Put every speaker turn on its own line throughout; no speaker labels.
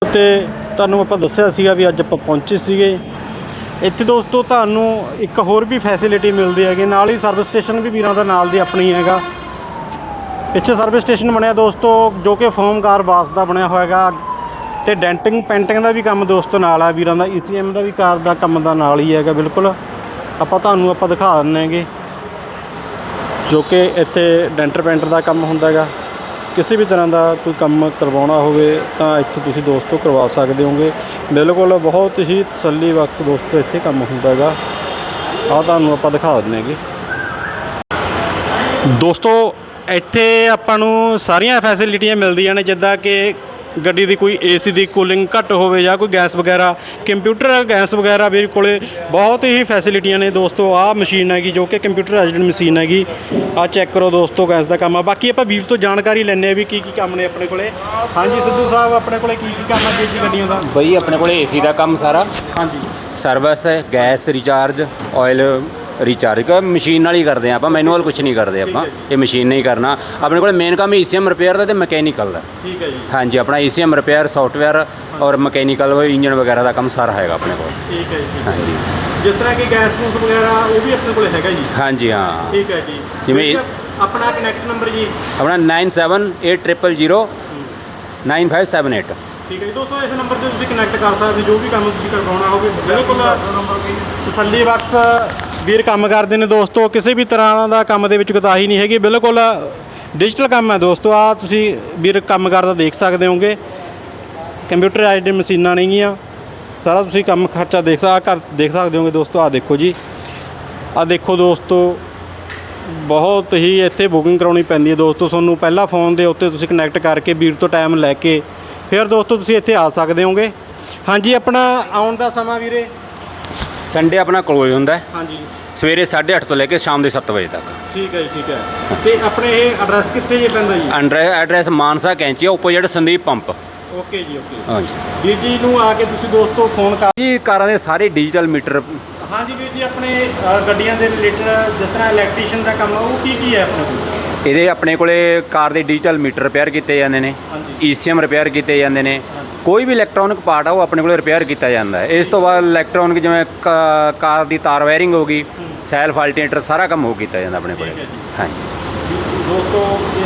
ਤੇ ਤੁਹਾਨੂੰ ਆਪਾਂ ਦੱਸਿਆ ਸੀਗਾ ਵੀ ਅੱਜ ਆਪਾਂ ਪਹੁੰਚੇ ਸੀਗੇ ਇੱਥੇ ਦੋਸਤੋ। ਤੁਹਾਨੂੰ ਇੱਕ ਹੋਰ ਵੀ ਫੈਸਿਲਿਟੀ ਮਿਲਦੀ ਹੈਗੀ, ਨਾਲ ਹੀ ਸਰਵਿਸ ਸਟੇਸ਼ਨ ਵੀ ਵੀਰਾਂ ਦਾ ਨਾਲ ਦੀ ਆਪਣੀ ਹੈਗਾ। ਪਿੱਛੇ ਸਰਵਿਸ ਸਟੇਸ਼ਨ ਬਣਿਆ ਦੋਸਤੋ, ਜੋ ਕਿ ਫੋਮ ਕਾਰ ਬਾਸ ਦਾ ਬਣਿਆ ਹੋਇਆ ਹੈਗਾ। ਤੇ ਡੈਂਟਿੰਗ ਪੈਂਟਿੰਗ ਦਾ ਵੀ ਕੰਮ ਦੋਸਤੋ ਨਾਲ ਆ ਵੀਰਾਂ ਦਾ। ECM ਦਾ ਵੀ ਕਾਰ ਦਾ ਕੰਮ ਦਾ ਨਾਲ ਹੀ ਹੈਗਾ ਬਿਲਕੁਲ। ਤੁਹਾਨੂੰ ਦਿਖਾ ਦਿੰਦੇ ਹੈਗੇ, ਜੋ ਕਿ ਇੱਥੇ ਡੈਂਟਰ ਪੈਂਟਰ ਦਾ ਕੰਮ ਹੁੰਦਾ ਹੈਗਾ। ਕਿਸੇ ਵੀ ਤਰ੍ਹਾਂ ਦਾ ਕੋਈ ਕੰਮ ਕਰਵਾਉਣਾ ਹੋਵੇ ਤਾਂ ਇੱਥੇ ਤੁਸੀਂ ਦੋਸਤੋ ਕਰਵਾ ਸਕਦੇ ਹੋਗੇ। ਬਿਲਕੁਲ ਬਹੁਤ ਹੀ ਤਸੱਲੀ ਬਖਸ਼ ਦੋਸਤੋ ਇੱਥੇ ਕੰਮ ਹੁੰਦਾ ਹੈਗਾ। ਤੁਹਾਨੂੰ ਆਪਾਂ ਦਿਖਾ ਦਿੰਦੇ ਹੈਗੇ ਦੋਸਤੋ। ਇੱਥੇ ਆਪਾਂ ਨੂੰ ਸਾਰੀਆਂ ਫੈਸਿਲਿਟੀਆਂ ਮਿਲਦੀਆਂ ਨੇ, ਜਿੱਦਾਂ ਕਿ ਗੱਡੀ ਦੀ ਕੋਈ AC ਦੀ ਕੂਲਿੰਗ ਘੱਟ ਹੋਵੇ ਜਾਂ ਕੋਈ ਗੈਸ ਵਗੈਰਾ, ਕੰਪਿਊਟਰ ਗੈਸ ਵਗੈਰਾ ਮੇਰੇ ਕੋਲੇ ਬਹੁਤ ਹੀ ਫੈਸਿਲਿਟੀਆਂ ਨੇ ਦੋਸਤੋ। ਆਹ ਮਸ਼ੀਨ ਹੈਗੀ ਜੋ ਕਿ ਕੰਪਿਊਟਰਾਈਜ਼ਡ ਮਸ਼ੀਨ ਹੈਗੀ। ਆਹ ਚੈੱਕ ਕਰੋ ਦੋਸਤੋ ਗੈਸ ਦਾ ਕੰਮ ਆ। ਬਾਕੀ ਆਪਾਂ ਵੀਰ ਤੋਂ ਜਾਣਕਾਰੀ ਲੈਂਦੇ ਹਾਂ ਵੀ ਕੀ ਕੰਮ ਨੇ ਆਪਣੇ ਕੋਲੇ। ਹਾਂਜੀ ਸਿੱਧੂ ਸਾਹਿਬ, ਆਪਣੇ ਕੋਲੇ ਕੀ ਕੰਮ ਹੈ ਜੀ ਗੱਡੀਆਂ ਦਾ?
ਬਈ ਆਪਣੇ ਕੋਲੇ AC ਦਾ ਕੰਮ ਸਾਰਾ,
ਹਾਂਜੀ,
ਸਰਵਿਸ ਹੈ, ਗੈਸ ਰਿਚਾਰਜ, ਆਇਲ रिचार्ज का मशीन नाल ही करते हैं। आप मैनुअल कुछ नहीं करते, आप ये मशीन नहीं करना। अपने को मेन काम ECM रिपेयर का तो मैकेनिकल का।
ठीक है जी।
हाँ जी, अपना ECM रिपेयर, सॉफ्टवेयर और मैकेनिकल इंजन वगैरह का काम सारा है अपने को।
ठीक है जी।
हाँ जी,
जिस तरह की गैस गूस वगैरह वो भी अपने को हैगा जी?
हाँ जी, हाँ
ठीक है जी।
जिमें
अपना कनैक्ट नंबर जी
अपना 9780095578।
ठीक है जी दोस्तों, इस नंबर से कनैक्ट कर सकते जो भी काम करवाना हो। बिल्कुल तसल्ली बख्श ਵੀਰ ਕੰਮ ਕਰਦੇ ਨੇ ਦੋਸਤੋ। ਕਿਸੇ ਵੀ ਤਰ੍ਹਾਂ ਦਾ ਕੰਮ ਦੇ ਵਿੱਚ ਕੋਤਾਹੀ ਨਹੀਂ ਹੈਗੀ, ਬਿਲਕੁਲ ਡਿਜੀਟਲ ਕੰਮ ਹੈ ਦੋਸਤੋ। ਆਹ ਤੁਸੀਂ ਵੀਰ ਕੰਮ ਕਰਦਾ ਦੇਖ ਸਕਦੇ ਹੋਗੇ। ਕੰਪਿਊਟਰਾਈਜ਼ਡ ਮਸ਼ੀਨਾਂ ਨੇਗੀਆਂ, ਸਾਰਾ ਤੁਸੀਂ ਕੰਮ ਖਰਚਾ ਦੇਖ ਸਕਦੇ ਹੋਗੇ ਦੋਸਤੋ। ਆਹ ਦੇਖੋ ਜੀ, ਆਹ ਦੇਖੋ ਦੋਸਤੋ, ਬਹੁਤ ਹੀ ਇੱਥੇ ਬੁਕਿੰਗ ਕਰਾਉਣੀ ਪੈਂਦੀ ਹੈ ਦੋਸਤੋ। ਤੁਹਾਨੂੰ ਪਹਿਲਾਂ ਫੋਨ ਦੇ ਉੱਤੇ ਤੁਸੀਂ ਕਨੈਕਟ ਕਰਕੇ ਵੀਰ ਤੋਂ ਟਾਈਮ ਲੈ ਕੇ ਫਿਰ ਦੋਸਤੋ ਤੁਸੀਂ ਇੱਥੇ ਆ ਸਕਦੇ ਹੋਗੇ। ਹਾਂਜੀ, ਆਪਣਾ ਆਉਣ ਦਾ ਸਮਾਂ ਵੀਰੇ?
संडे अपना क्लोज होंगे।
हाँ जी,
सवेरे 8:30 तो लेके शाम के 7 बजे तक।
ठीक है जी, ठीक है। तो अपने ये एड्रैस कितने जी पैंदा जी?
Address Mansa Kainchi opposite Sandeep pump.
Okay जी, ओके।
हाँ जी,
ਵੀਰ ਜੀ ਨੂੰ ਆ ਕੇ ਤੁਸੀਂ ਦੋਸਤੋ ਫੋਨ ਕਰ
जी कारां दे सारे डिजिटल मीटर।
हाँ जी ਵੀਰ ਜੀ, ਆਪਣੇ ਗੱਡੀਆਂ ਦੇ ਰਿਲੇਟਡ ਜਿਸ ਤਰ੍ਹਾਂ ਇਲੈਕਟ੍ਰੀਸ਼ੀਅਨ ਦਾ ਕੰਮ ਆ ਉਹ ਕੀ ਹੈ ਆਪਣੇ ਕੋਲ?
ਇਹਦੇ ਆਪਣੇ ਕੋਲੇ ਕਾਰ ਦੇ ਡਿਜੀਟਲ ਮੀਟਰ ਰਿਪੇਅਰ ਕੀਤੇ ਜਾਂਦੇ ਨੇ, ECM ਰਿਪੇਅਰ ਕੀਤੇ ਜਾਂਦੇ ਨੇ। ਕੋਈ ਵੀ ਇਲੈਕਟ੍ਰੋਨਿਕ ਪਾਰਟ ਆ ਉਹ ਆਪਣੇ ਕੋਲੇ ਰਿਪੇਅਰ ਕੀਤਾ ਜਾਂਦਾ ਹੈ। ਇਸ ਤੋਂ ਬਾਅਦ ਇਲੈਕਟ੍ਰੋਨਿਕ ਜਿਵੇਂ ਕਾਰ ਦੀ ਤਾਰ ਵਾਇਰਿੰਗ ਹੋ ਗਈ, ਸੈਲਫ ਅਲਟਰਨੇਟਰ, ਸਾਰਾ ਕੰਮ ਹੋ ਕੀਤਾ ਜਾਂਦਾ ਆਪਣੇ ਕੋਲੇ। ਹਾਂਜੀ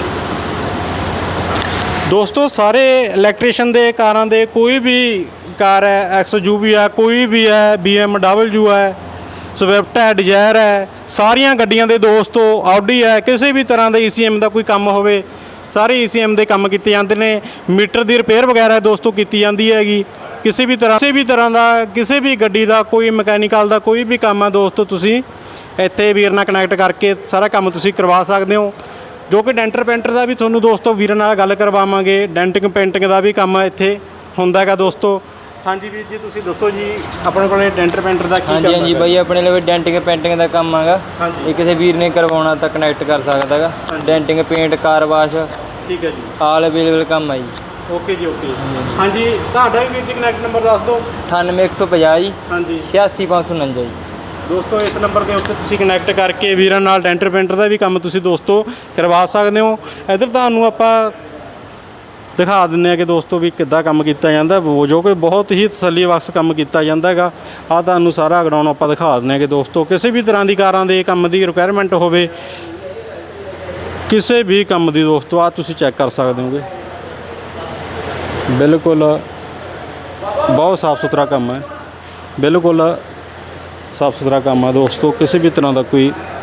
ਦੋਸਤੋ, ਸਾਰੇ ਇਲੈਕਟ੍ਰੀਸ਼ੀਅਨ ਦੇ ਕਾਰਾਂ ਦੇ ਕੋਈ ਵੀ ਕਾਰ ਹੈ, XUV ਹੈ, ਕੋਈ ਵੀ ਹੈ, BMW ਹੈ, ਸਵਿਫਟ ਹੈ, ਡਿਜ਼ਾਇਰ ਹੈ, ਸਾਰੀਆਂ ਗੱਡੀਆਂ ਦੇ ਦੋਸਤੋ, ਆਡੀ ਹੈ, ਕਿਸੇ ਵੀ ਤਰ੍ਹਾਂ ਦਾ ECM ਦਾ ਕੋਈ ਕੰਮ ਹੋਵੇ ਸਾਰੇ ECM ਦੇ ਕੰਮ ਕੀਤੇ ਜਾਂਦੇ ਨੇ। ਮੀਟਰ ਦੀ ਰਿਪੇਅਰ ਵਗੈਰਾ ਦੋਸਤੋ ਕੀਤੀ ਜਾਂਦੀ ਹੈਗੀ। ਕਿਸੇ ਵੀ ਤਰ੍ਹਾਂ ਦਾ ਕਿਸੇ ਵੀ ਗੱਡੀ ਦਾ ਕੋਈ ਮਕੈਨੀਕਲ ਦਾ ਕੋਈ ਵੀ ਕੰਮ ਹੈ ਦੋਸਤੋ, ਤੁਸੀਂ ਇੱਥੇ ਵੀਰ ਨਾਲ ਕਨੈਕਟ ਕਰਕੇ ਸਾਰਾ ਕੰਮ ਤੁਸੀਂ ਕਰਵਾ ਸਕਦੇ ਹੋ। ਜੋ ਕਿ ਡੈਂਟਰ ਪੈਂਟਰ ਦਾ ਵੀ ਤੁਹਾਨੂੰ ਦੋਸਤੋ ਵੀਰ ਨਾਲ ਗੱਲ ਕਰਵਾਵਾਂਗੇ। ਡੈਂਟਿੰਗ ਪੇਂਟਿੰਗ ਦਾ ਵੀ ਕੰਮ ਇੱਥੇ ਹੁੰਦਾ ਹੈਗਾ ਦੋਸਤੋ। ਹਾਂਜੀ ਵੀਰ ਜੀ, ਤੁਸੀਂ ਦੱਸੋ ਜੀ ਆਪਣੇ ਕੋਲ ਡੈਂਟਰ ਪੈਂਟਰ ਦਾ ਕੀ ਕੰਮ ਹੈ?
ਹਾਂਜੀ ਬਾਈ, ਆਪਣੇ ਲਈ ਡੈਂਟਿੰਗ ਪੇਂਟਿੰਗ ਦਾ ਕੰਮ ਹੈਗਾ। ਇਹ ਕਿਸੇ ਵੀਰ ਨੇ ਕਰਵਾਉਣਾ ਤਾਂ ਕਨੈਕਟ ਕਰ ਸਕਦਾ ਹੈਗਾ। ਡੈਂਟਿੰਗ ਪੇਂਟ, ਕਾਰ ਵਾਸ਼,
ਠੀਕ ਹੈ ਜੀ,
ਆਲ ਅਵੇਲੇਬਲ ਕੰਮ ਹੈ ਜੀ।
ਓਕੇ ਜੀ, ਓਕੇ। ਹਾਂਜੀ, ਤੁਹਾਡਾ ਵੀ ਵੀਰ ਜੀ ਕਨੈਕਟ ਨੰਬਰ ਦੱਸ ਦਿਓ।
98150 ਜੀ,
ਹਾਂਜੀ
86549 ਜੀ
ਦੋਸਤੋ। ਇਸ ਨੰਬਰ ਦੇ ਉੱਤੇ ਤੁਸੀਂ ਕਨੈਕਟ ਕਰਕੇ ਵੀਰਾਂ ਨਾਲ ਡੈਂਟਰ ਪੈਂਟਰ ਦਾ ਵੀ ਕੰਮ ਤੁਸੀਂ ਦੋਸਤੋ ਕਰਵਾ ਸਕਦੇ ਹੋ। ਇੱਧਰ ਤੁਹਾਨੂੰ ਆਪਾਂ ਦਿਖਾ ਦਿੰਦੇ ਹਾਂ ਕਿ ਦੋਸਤੋ ਵੀ ਕਿੱਦਾਂ ਕੰਮ ਕੀਤਾ ਜਾਂਦਾ, ਜੋ ਕਿ ਬਹੁਤ ਹੀ ਤਸੱਲੀ ਬਖਸ਼ ਕੰਮ ਕੀਤਾ ਜਾਂਦਾ ਹੈਗਾ। ਆਹ ਤੁਹਾਨੂੰ ਸਾਰਾ ਗਰਾਊਂਡ ਆਪਾਂ ਦਿਖਾ ਦਿੰਦੇ ਹਾਂ ਕਿ ਦੋਸਤੋ ਕਿਸੇ ਵੀ ਤਰ੍ਹਾਂ ਦੀ ਕਾਰਾਂ ਦੇ ਕੰਮ ਦੀ ਰਿਕੁਆਇਰਮੈਂਟ ਹੋਵੇ, ਕਿਸੇ ਵੀ ਕੰਮ ਦੀ ਦੋਸਤੋ, ਆਹ ਤੁਸੀਂ ਚੈੱਕ ਕਰ ਸਕਦੇ ਹੋਗੇ। ਬਿਲਕੁਲ ਬਹੁਤ ਸਾਫ ਸੁਥਰਾ ਕੰਮ ਹੈ, ਬਿਲਕੁਲ ਸਾਫ ਸੁਥਰਾ ਕੰਮ ਹੈ ਦੋਸਤੋ। ਕਿਸੇ ਵੀ ਤਰ੍ਹਾਂ ਦਾ ਕੋਈ